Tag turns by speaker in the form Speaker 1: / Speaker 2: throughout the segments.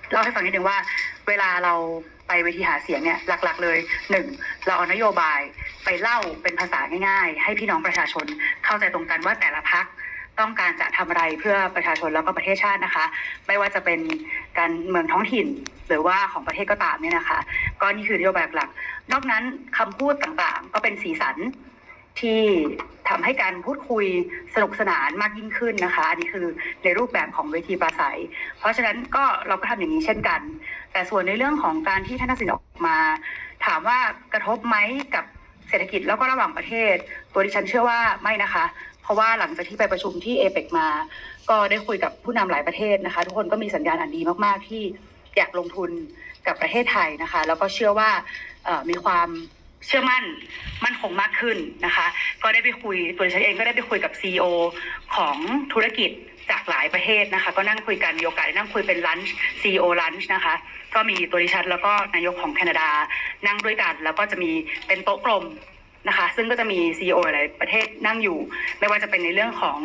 Speaker 1: เล่าให้ฟังนิดนึงว่าเวลาเราไปเวทีหาเสียงเนี่ยหลักๆเลย1เราเอานโยบายไปเล่าเป็นภาษาง่ายๆให้พี่น้องประชาชนเข้าใจตรงกันว่าแต่ละพรรคต้องการจะทำอะไรเพื่อประชาชนแล้วก็ประเทศชาตินะคะไม่ว่าจะเป็นการเมืองท้องถิ่นหรือว่าของประเทศก็ตามเนี่ยนะคะก็นี่คือนโยบายหลักนอกนั้นคำพูดต่างๆก็เป็นสีสันที่ทำให้การพูดคุยสนุกสนานมากยิ่งขึ้นนะคะอันนี้คือในรูปแบบของเวทีปราศัยเพราะฉะนั้นก็เราก็ทำอย่างนี้เช่นกันแต่ส่วนในเรื่องของการที่ท่านทักษิณออกมาถามว่ากระทบไหมกับเศรษฐกิจแล้วก็ระหว่างประเทศตัวดิฉันเชื่อว่าไม่นะคะเพราะว่าหลังจากที่ไปประชุมที่เอเปกมาก็ได้คุยกับผู้นำหลายประเทศนะคะทุกคนก็มีสัญญาณอันดีมากๆที่อยากลงทุนกับประเทศไทยนะคะแล้วก็เชื่อว่ามีความเชื่อมั่นคงมากขึ้นนะคะก็ได้ไปคุยตัวดิฉันเองก็ได้ไปคุยกับ CEO ของธุรกิจจากหลายประเทศนะคะก็นั่งคุยกันมีโอกาสได้นั่งคุยเป็นลันช์ CEO ลันช์นะคะก็มีตัวดิฉันแล้วก็นายกของแคนาดานั่งด้วยกันแล้วก็จะมีเป็นโต๊ะกลมนะคะซึ่งก็จะมี CEO หลายประเทศนั่งอยู่ไม่ว่าจะเป็นในเรื่องของ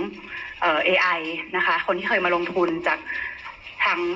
Speaker 1: AI นะคะคนที่เคยมาลงทุนจากทาง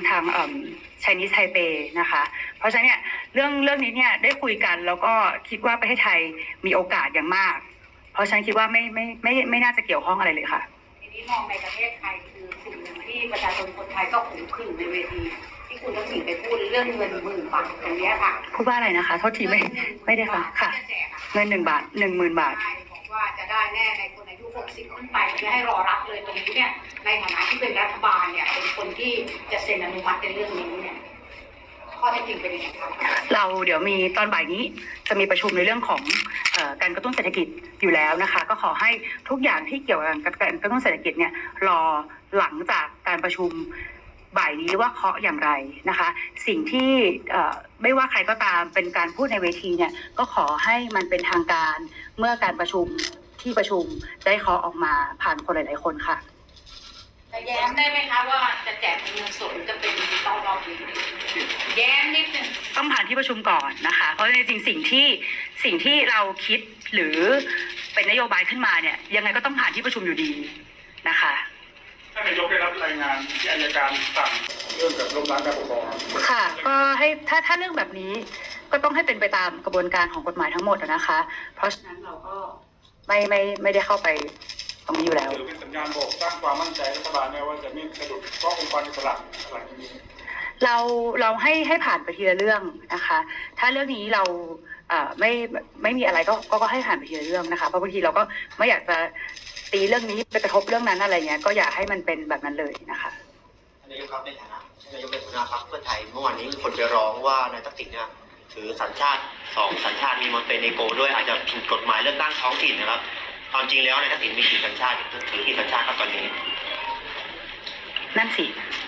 Speaker 1: Chinese Taipei นะคะเพราะฉะนั้นเนี่ยเรื่องนี้เนี่ยได้คุยกันแล้วก็คิดว่าประเทศไทยมีโอกาสอย่างมากเพราะฉะนั้นคิดว่าไม่น่าจะเกี่ยวข้องอะไรเลยค่ะ
Speaker 2: ทีนี้มองในประเทศไทยคือสิ่งหนึ่งที่ประชาชนคนไทยก็ขึงขึ้นในเวทีที่คุณทักษิณไปพูดเรื่องเงิน10,000 บาทตรงนี้ค่ะ
Speaker 1: พูดว่าอะไรนะคะโทษทีไม่ได้ฟังค่ะเงิน1 บาท10,000 บาท
Speaker 2: บอกว่าจะได้แน่ในคนอายุ60ขึ้นไปไม่ให้รอรับเลยตรงนี้เนี่ยในฐานะที่เป็นรัฐบาลเนี่ยเป็นคนที่จะเซ็นอนุมัติในเรื่องนี้เนี่ยข้อเท็จจริงเป็นยังไงครับ
Speaker 1: เราเดี๋ยวมีตอนบ่ายนี้จะมีประชุมในเรื่องของการกระตุ้นเศรษฐกิจอยู่แล้วนะคะก็ขอให้ทุกอย่างที่เกี่ยวกับการกระตุ้นเศรษฐกิจเนี่ยรอหลังจากการประชุมบ่ายนี้ว่าเคาะอย่างไรนะคะสิ่งที่ไม่ว่าใครก็ตามเป็นการพูดในเวทีเนี่ยก็ขอให้มันเป็นทางการเมื่อการประชุมที่ประชุมได้เคาะออกมาผ่านคนหลายๆคนค่ะ
Speaker 2: จะแย้มได้ไหมคะว่าจะแจกเงินสดจะเป็นดิจิตอลรอบนี้แย้มนิดนึง
Speaker 1: ต้องผ่านที่ประชุมก่อนนะคะเพราะจริงๆสิ่งที่เราคิดหรือเป็นนโยบายขึ้นมาเนี่ยยังไงก็ต้องผ่านที่ประชุมอยู่ดีนะคะ
Speaker 3: ท่านนายกได้รับรายงานที่อัยการสั่งเรื่องกับล้มล้างการปกครอง
Speaker 1: ค่ะก็ให้ถ้าเรื่องแบบนี้ก็ต้องให้เป็นไปตามกระบวนการของกฎหมายทั้งหมดนะคะเพราะฉะนั้นเราก็ไม่ได้เข้าไปตรงนี้อยู่แล้ว
Speaker 3: หรือเป็นสัญญาณบอกสร้างความมั่นใจรัฐบาลแม้ว่าจะไม่สะดุดเพราะองค์กรอิสระอะไรอย่างนี้
Speaker 1: เราให้ผ่านไปทีละเรื่องนะคะถ้าเรื่องนี้เราไม่มีอะไรก็ให้ผ่านไปทีละเรื่องนะคะเพราะบางทีเราก็ไม่อยากจะตีเรื่องนี้ไปกระทบเรื่องนั้นอะไรเงี้ยก็อยากให้มันเป็นแบบนั้นเลยนะคะ
Speaker 4: นายกครับในฐานะนายกเป็นหัวหน้าพรรคเพื่อไทยเมื่อวานนี้คนไปร้องว่านายทักษิณเนี่ยถือสัญชาติ2 สัญชาติมีมอนเตเนโกรด้วยอาจจะผิดกฎหมายเลือกตั้งท้องถิ่นนะครับความจริงแล้วนายทักษิณมีกี่สัญชาติถือกี่สัญชาติครับตอนนี้
Speaker 1: นั่นสิ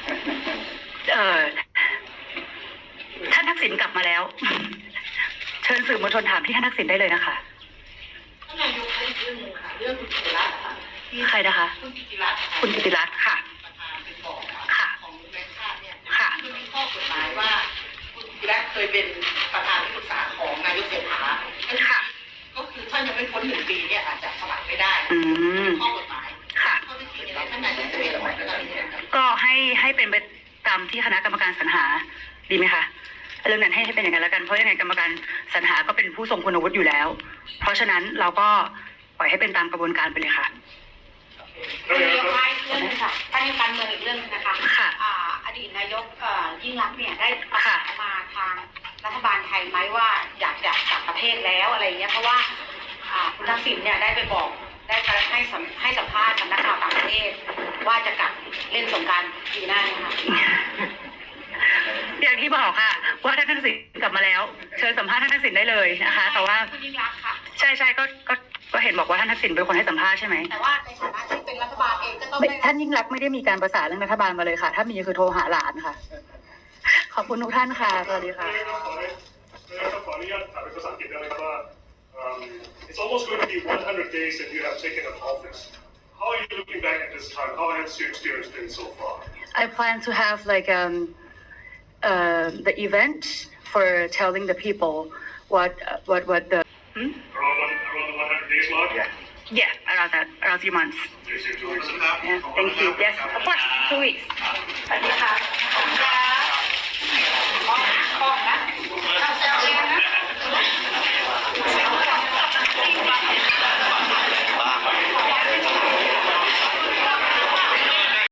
Speaker 1: ท่านทักษิณกลับมาแล้วเชิญสื่อมวลชนถามที่ท่านทักษิณได้เลยนะคะ
Speaker 2: ท่านนายกอีกเรื่องนึงค่ะเรื่องคุณกิติรัตน์ค่ะ
Speaker 1: ใครนะคะ
Speaker 2: คุณกิติรัตน์
Speaker 1: ค่ะ
Speaker 2: ประธานเป็นบอก
Speaker 1: ค่ะ
Speaker 2: ของแบงค์ชาติเนี่ย
Speaker 1: ค่ะ
Speaker 2: มันมีข้อกฎหมายว่าคุณกิติรัตน์เคยเป็นประธานที่ปรึกษาของนายกเศรษฐา
Speaker 1: ค่ะ
Speaker 2: ก็คือท่านยังไม่พ้น1 ปีเนี่ยอาจจะสมัครไม่ได้ข้อกฎหมาย
Speaker 1: ค่ะ
Speaker 2: ข้อที่จริงเนี่ยท่านนายกจะเป็นอะไร
Speaker 1: ก็ให้เป็นไปตามที่คณะกรรมการสรรหาดีไหมคะเรื่องนั้นให้เป็นอย่างนั้นแล้วกันเพราะยังไงกรรมการสรรหาก็เป็นผู้ทรงคุณวุฒิอยู่แล้วเพราะฉะนั้นเราก็ปล่อยให้เป็นตามกระบวนการไปเลยค่ะ
Speaker 2: เรื่องนึงค่ะท่านการเมืองอีกเรื่องนึงนะคะ
Speaker 1: ค่ะ
Speaker 2: อดีตนายกยิ่งรักษณ์เนี่ยได้ประกาศมาทางรัฐบาลไทยไหมว่าอยากจะกลับประเทศแล้วอะไรเงี้ยเพราะว่าคุณทักษิณเนี่ยได้ไปบอกได้ให้สัมภาษณ์กับนักข่าวต่างประเทศว่าจะกลับเล่นสงกรานต์ปีหน้านะคะ
Speaker 1: อย่างที่บอกค่ะว่าท่านทักษิณกลับมาแล้วเชิญสัมภาษณ์ท่านทักษิณได้เลยนะคะแต่ว่าใช่ก็เห็นบอกว่าท่านทักษิณเป็นคนให้สัมภาษณ์ใช่ไหม
Speaker 2: แต่ว่าในฐานะที่เป็นรัฐบาลเองก็ต้อง
Speaker 1: ท่านยิ่งรักไม่ได้มีการประสานเรื่องรัฐบาลมาเลยค่ะถ้ามีคือโทรหาหลานค่ะขอบคุณทุกท่านค่ะสวัสดีค่ะ
Speaker 3: ขออนุญาตถามเป็นภาษาอังกฤษได้ไหมครับว่า It's almost going to be 100 days that you have taken up office. How are you looking back at this time? How has your experience been so far?
Speaker 1: I plan to have like the event for telling the people what the
Speaker 3: around the 100 days mark?
Speaker 1: Yeah, around 3 months.
Speaker 3: Yes, 2 weeks.
Speaker 1: Yeah, thank you. Yes, of course, 2 weeks.
Speaker 2: สวัสดีค่ะ